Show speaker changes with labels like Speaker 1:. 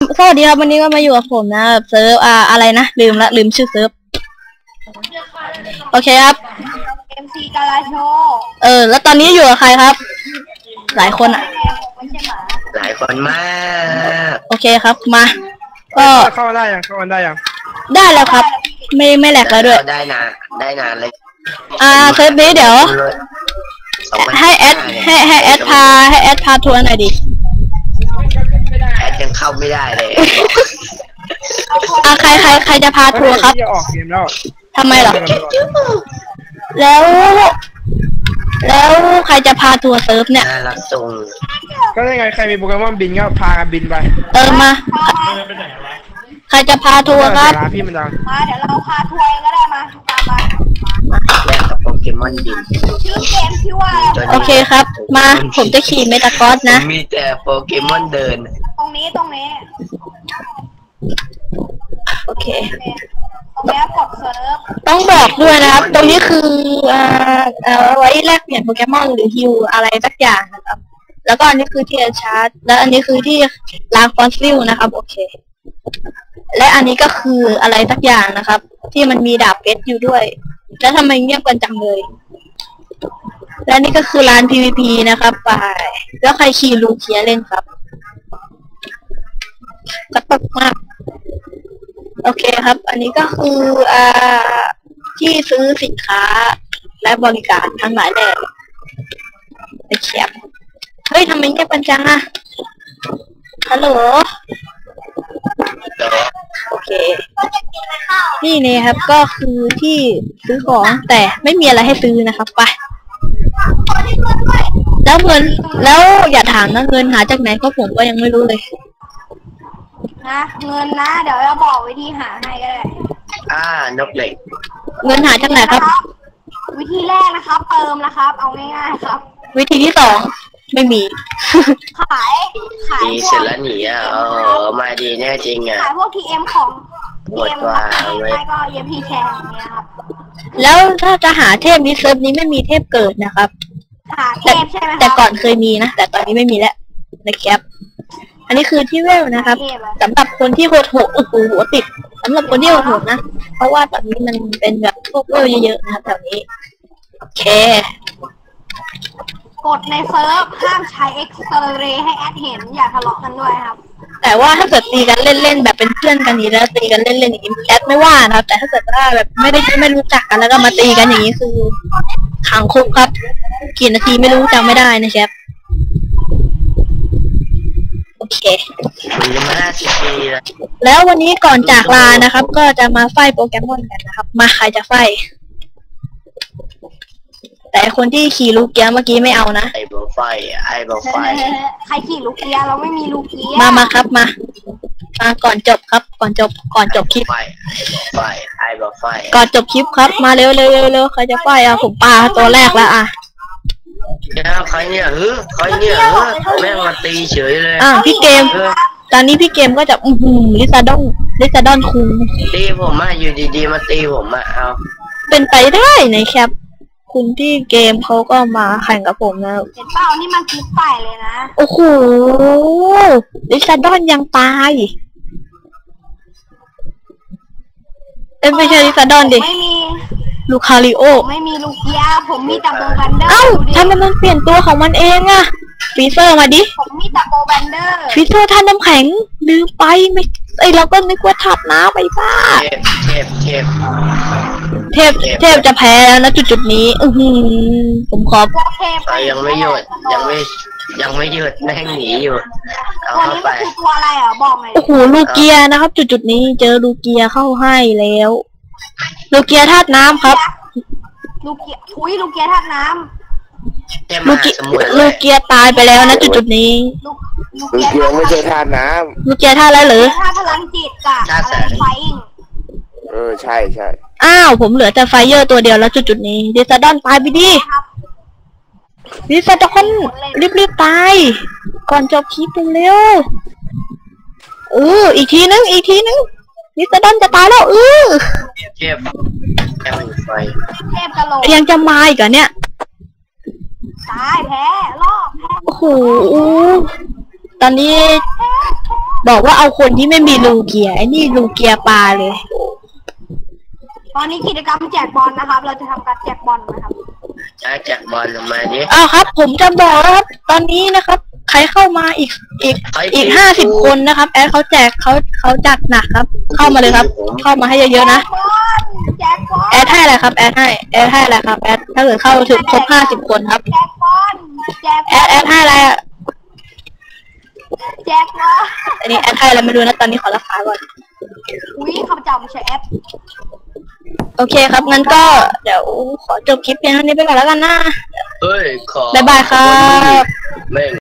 Speaker 1: สวัสดีครับวันนี้ก็มาอยู่กับผมนะเซิร์ฟอะไรนะลืมชื่อเซิร์ฟโอเคครับ
Speaker 2: MC กาลาโช
Speaker 1: แล้วตอนนี้อยู่กับใครครับหลายคนอ่ะ
Speaker 3: หลายคนมาก
Speaker 1: โอเคครับมาก็
Speaker 4: เข้าได้ยัง
Speaker 1: ได้แล้วครับไม่แหลกแล้วด้วย
Speaker 3: ได้นานเลย
Speaker 1: เซิร์ฟนี้เดี๋ยวให้แอดพาทัวร์หน่อยดิ
Speaker 3: แอดยังเข้าไม่ได้เลย
Speaker 1: ใครจะพาทัวร์ครับทำไมหรอแล้วใครจะพาทัวร์เซิร์ฟเนี่ย
Speaker 3: รับส่ง
Speaker 4: ก็ยังไงใครมีโปเกมอนบินก็พากันบินไป
Speaker 1: มาใครจะพาทัวร์ครับ
Speaker 4: พี่มันดัง
Speaker 2: มาเดี๋ยวเราพาทัวร์ก็ได้มาตามมา
Speaker 3: แลกกับโปเกมอนบิน
Speaker 2: ชื่อเกมชื่อว่าอะไร
Speaker 1: โอเคครับมาผมจะขี่เมตากอสนะ
Speaker 3: มีแต่โปเกมอนเดิน
Speaker 2: ตรงนี้
Speaker 1: โอเค
Speaker 2: ตรงนี้กดเซิร์ฟ
Speaker 1: ต้องบอกด้วยนะครับตรงนี้คือไว้แลกเปลี่ยนโปเกมอนหรือฮิวอะไรสักอย่างนะครับแล้วก็อันนี้คือที่ชาร์จและอันนี้คือที่ล้างฟอสซิลนะครับโอเคและอันนี้ก็คืออะไรสักอย่างนะครับที่มันมีดาบเพชรอยู่ด้วยแล้วทำไมเงียบกันจังเลยและนี่ก็คือร้าน PVP นะครับไปแล้วใครขี่ลูเคียเล่นครับกระตุกมากโอเคครับอันนี้ก็คือที่ซื้อสินค้าและบริการทั้งหลายแหล่ไปเขียบเฮ้ยทำไมเงียบกันจังอะฮัลโหลโอเคนี่เนี่ยครับก็คือที่ซื้อของแต่ไม่มีอะไรให้ซื้อนะครับไปแล้วเงินแล้วอย่าถามนะเงินหาจากไหนเพราะผมก็ยังไม่รู้เลย
Speaker 2: นะเงินนะเดี๋ยวเราบอกวิธีหาให้ก็ได้
Speaker 3: นกเหล็ก
Speaker 1: เงินหาจากไหนครับ
Speaker 2: วิธีแรกนะครับเติมนะครับเอาง่ายๆครับ
Speaker 1: วิธีที่สองไม่มี
Speaker 2: ขาย
Speaker 3: ดีเสร็จแล้วหนีมาดีแน่จริง
Speaker 2: ขายพวก TM ของTM ไม่ก็ EMP แชร์อย่างเงี้ยครับ
Speaker 1: แล้วถ้าจะหาเทพนี้เซิร์ฟนี้ไม่มีเทพเกิดนะครับ
Speaker 2: หาเทพใช่ไหม
Speaker 1: แต่ก่อนเคยมีนะแต่ตอนนี้ไม่มีแล้วนะครับอันนี้คือที่เวลนะครับสำหรับคนที่โหดหัวติดสำหรับคนที่โหดนะเพราะว่าตอนนี้มันเป็นแบบพวกเวลเยอะๆนะครับแถวนี้โอเค
Speaker 2: กดในเซิร์ฟห้ามใช้เอ็กซเรย์ให้แอดเห็นอย่าทะเลาะกันด้วยครับ
Speaker 1: แต่ว่าถ้าเกิดตีกันเล่นๆแบบเป็นเพื่อนกันนี้แล้วตีกันเล่นๆอย่างนี้แอดไม่ว่านะครับแต่ถ้าเกิดว่าแบบไม่รู้จักกันแล้วก็มาตีกันอย่างนี้คือขังคุกครับกี่นาทีไม่รู้จำไม่ได้นะครับโอเคแล้ววันนี้ก่อนจากลานะครับก็จะมาไฟโปเกมอนกันนะครับมาใครจะไฟแต่คนที่ขี่ลูกเกียร์เมื่อกี้ไม่เอานะ
Speaker 3: ไอ้บอกไฟ
Speaker 2: ใครขี่ลูกเกียร์เราไม่มีลูกเกียร์
Speaker 1: มาครับมาก่อนจบครับก่อนจบคลิป
Speaker 3: ไอ้บอกไฟ
Speaker 1: ก่อนจบคลิปครับมาเร็วใครจะไฟผมปาตัวแรกแล้ว
Speaker 3: ใครเนี่ยแม่งมาตีเฉยเลย
Speaker 1: พี่เกมตอนนี้พี่เกมก็จะลิซาดอนคุง
Speaker 3: ตีผมอยู่ดีๆมาตีผมเอา
Speaker 1: เป็นไปได้ในแคปคุณที่เกมเขาก็มาแข่งกับผมนะ
Speaker 2: เห็นเปล่านี่มันคลิปใหม่เลยนะ
Speaker 1: โอ้โหลิซาดอนยังตายไม่ใช่ลิซาดอนดิ
Speaker 2: ไม่มี
Speaker 1: ลูคาริโอ
Speaker 2: ไม่มีลูกยาผมมีแต่โบแบนเดอร์
Speaker 1: ทำไมมันเปลี่ยนตัวของมันเองอะฟีเซอร์มาดิ
Speaker 2: ผมมีแต่โบแบนเดอร์
Speaker 1: ฟีเซอร์ท่านน้ำแข็งลืมไปไม่เราก็นึกว่าถัดน้ำไปบ้าเทพจะแพ้แล้วนะจุดนี้ผมขอ
Speaker 3: ยังไม่หยุดแม่งหนีอยู่เอาเข้าไป
Speaker 2: ตัวอะไรบอกหน่อย
Speaker 1: โอ้โหลูเกียนะครับจุดนี้เจอลูเกียเข้าให้แล้วลูเกียธาตุน้ำครับ
Speaker 2: ลูเกียธาตุน้ำ
Speaker 1: ลูเกียตายไปแล้วนะจุดนี้
Speaker 4: ลูเกียไม่ใช่ธาตุน้
Speaker 1: ำลูเกียธาตุอะไรหรือ
Speaker 2: ธาตุพลังจิตกับอะไรไฟ
Speaker 4: ใช่
Speaker 1: อ้าวผมเหลือแต่ไฟเยอร์ตัวเดียวแล้วจุดนี้ดิซาดอนตายไปดิดิซาดอนรีบตายก่อนจบคลิปเร็วอีกทีนึงดิซาดอนจะตายแล้ว
Speaker 3: เทพไฟ
Speaker 2: กะโหลก
Speaker 1: ยังจะมาอีกเหรอเนี่ย
Speaker 2: ตายแพ้รอบแพ้
Speaker 1: โอ้โหตอนนี้บอกว่าเอาคนที่ไม่มีลูเกียร์ไอ้นี่ลูเกียร์ปลาเลย
Speaker 2: ตอนนี้กิจกรรมแจกบอลนะครับ เราจะทำการแจกบอลนะครับ
Speaker 3: แจกบอลออกมาดิ
Speaker 1: อ้าวครับ ผมจะบอกแล้วครับ ตอนนี้นะครับ ใครเข้ามาอีก50 คนนะครับ แอดเขาแจกเขาจัดหนักครับ เข้ามาเลยครับ เข้ามาให้เยอะๆนะ
Speaker 2: แจกบอล
Speaker 1: แอดให้อะไรครับ แอดให้อะไรครับ แอดถ้าเกิดเข้าถึงครบ50 คนครับ
Speaker 2: แจกบอลแจกบ
Speaker 1: แอ
Speaker 2: อล
Speaker 1: ดให้อะไรอ่ะ
Speaker 2: แจกบอล
Speaker 1: อันนี้แอดให้อะไรไม่รู้นะ ตอนนี้ขอราคาก่อน
Speaker 2: อุ้ยข้าพเจ้าไม่ใช่แอป
Speaker 1: โอเคครับ งั้นก็เดี๋ยวขอจบคลิปเพียงเท่านี้ไปก่อนแล้วกันนะ
Speaker 3: เฮ้ยขอ
Speaker 1: บ๊ายบายครับ
Speaker 3: แม่ง